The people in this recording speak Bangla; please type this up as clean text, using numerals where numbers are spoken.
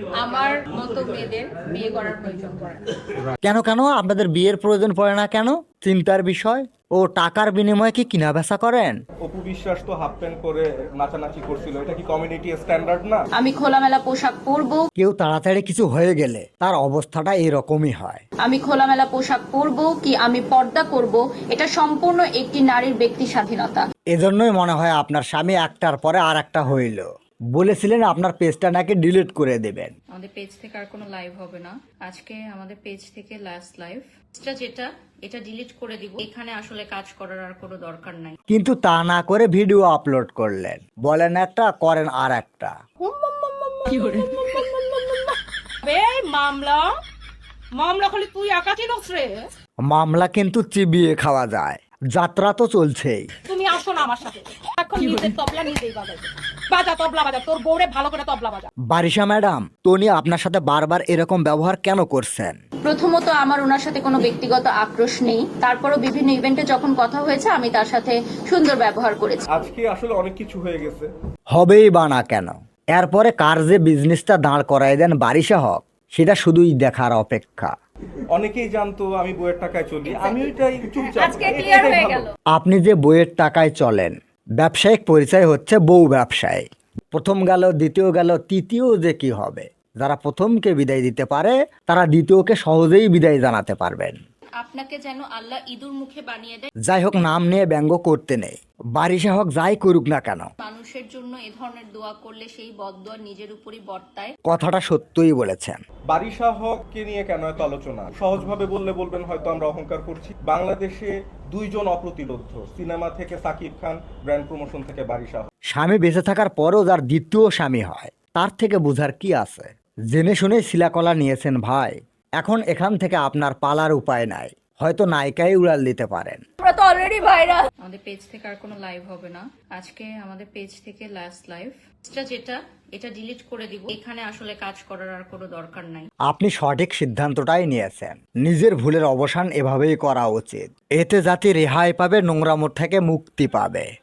আমার মতো মেয়েদের বিয়ে করার প্রয়োজন পড়ে না। কেন কেন আপনাদের বিয়ের প্রয়োজন পড়ে না কেন? চিন্তার বিষয়। ও টাকার বিনিময়ে কি কিনা বেচা করেন? অপু বিশ্বাস তো হাফ প্যান্ট করে নাচানাচি করছিল, এটা কি কমিউনিটি স্ট্যান্ডার্ড না? আমি খোলামেলা পোশাক পরবো। কেউ তাড়াতাড়ি কিছু হয়ে গেলে তার অবস্থাটা এরকমই হয়। আমি খোলামেলা পোশাক পরবো কি আমি পর্দা করব, এটা সম্পূর্ণ একটি নারীর ব্যক্তি স্বাধীনতা। এজন্যই মনে হয় আপনার স্বামী একটার পরে আর একটা হইল। বলেছিলেন আপনার পেজটা নাকি ডিলিট করে দেবেন। আমাদের পেজ থেকে আর কোনো লাইভ হবে না। আজকে আমাদের পেজ থেকে লাস্ট লাইভ যেটা, এটা ডিলিট করে দিব। এখানে আসলে কাজ করার আর কোনো দরকার নাই। কিন্তু তা না করে ভিডিও আপলোড করলেন, বলেন একটা করেন আর একটা। মামলা খালি তুই একা চিনস রে। মামলা কিন্তু চিবিয়ে খাওয়া যায়, যাত্রা তো চলছেই। তুমি আসো না আমার সাথে, এখন নিজের তবলা নিজেই বাজাবে। বাজা তবলা বাজা, তোর বউরে ভালো করে তবলা বাজা। বারিশা ম্যাডাম, টনি আপনার সাথে বারবার এরকম ব্যবহার কেন করছেন? প্রথমত আমার ওনার সাথে কোনো ব্যক্তিগত আক্রোশ নেই, তারপরও বিভিন্ন ইভেন্টে যখন কথা হয়েছে আমি তার সাথে সুন্দর ব্যবহার করেছি। আজকে আসলে অনেক কিছু হয়ে গেছে। হবেই বা না কেন? এরপরে কার যে বিজনেসটা দাঁড় করায় দেন বারিশা হক, সেটা শুধুই দেখার অপেক্ষা। অনেকেই জানতো আমি বইয়ের টাকায় চলি, আমি ওইটাই চুপচাপ। আজকে ক্লিয়ার হয়ে গেল। আপনি যে বইয়ের টাকায় চলেন, ব্যবসায়িক পরিচয় হচ্ছে বউ ব্যবসায়ী। প্রথম গেল, দ্বিতীয় গেল, তৃতীয় যে কি হবে? যারা প্রথমকে বিদায় দিতে পারে তারা দ্বিতীয়কে সহজেই বিদায় জানাতে পারবেন। আপনাকে যেন আল্লাহ ইঁদুর মুখে বানিয়ে দেয়। যাই হোক, নাম নিয়ে ব্যঙ্গ করতে নেই। বারিশা হক যাই করুক না কেন, মানুষের জন্য এ ধরনের দোয়া করলে সেই বদদোয়া নিজের উপরই বর্তায়। কথাটা সত্যই বলেছেন। বারিশা হককে নিয়ে কেন এত আলোচনা? সহজভাবে বললে বলবেন হয়তো আমরা অহংকার করছি। বাংলাদেশে দুইজন অপ্রতিরোধ্য, সিনেমা থেকে সাকিব খান, ব্র্যান্ড প্রমোশন থেকে বারিশা হক। স্বামী বেঁচে থাকার পরও যার দ্বিতীয় স্বামী হয়, তার থেকে বোঝার কি আছে? জেনে শুনে শিলাকলা নিয়েছেন ভাই। এখন এখান থেকে আপনার পালার উপায় নাই, হয়তো নায়িকাই উড়াল দিতে পারেন। আমরা তো অলরেডি ভাইরাল। আমাদের পেজ থেকে আর কোনো লাইভ হবে না। আজকে আমাদের পেজ থেকে লাস্ট লাইভ যেটা, এটা ডিলিট করে দিব। এখানে আসলে কাজ করার আর কোনো দরকার নাই। আপনি সঠিক সিদ্ধান্তটাই নিয়েছেন। নিজের ভুলের অবসান এভাবেই করা উচিত। এতে জাতি রেহাই পাবে, নোংরামোর থেকে মুক্তি পাবে।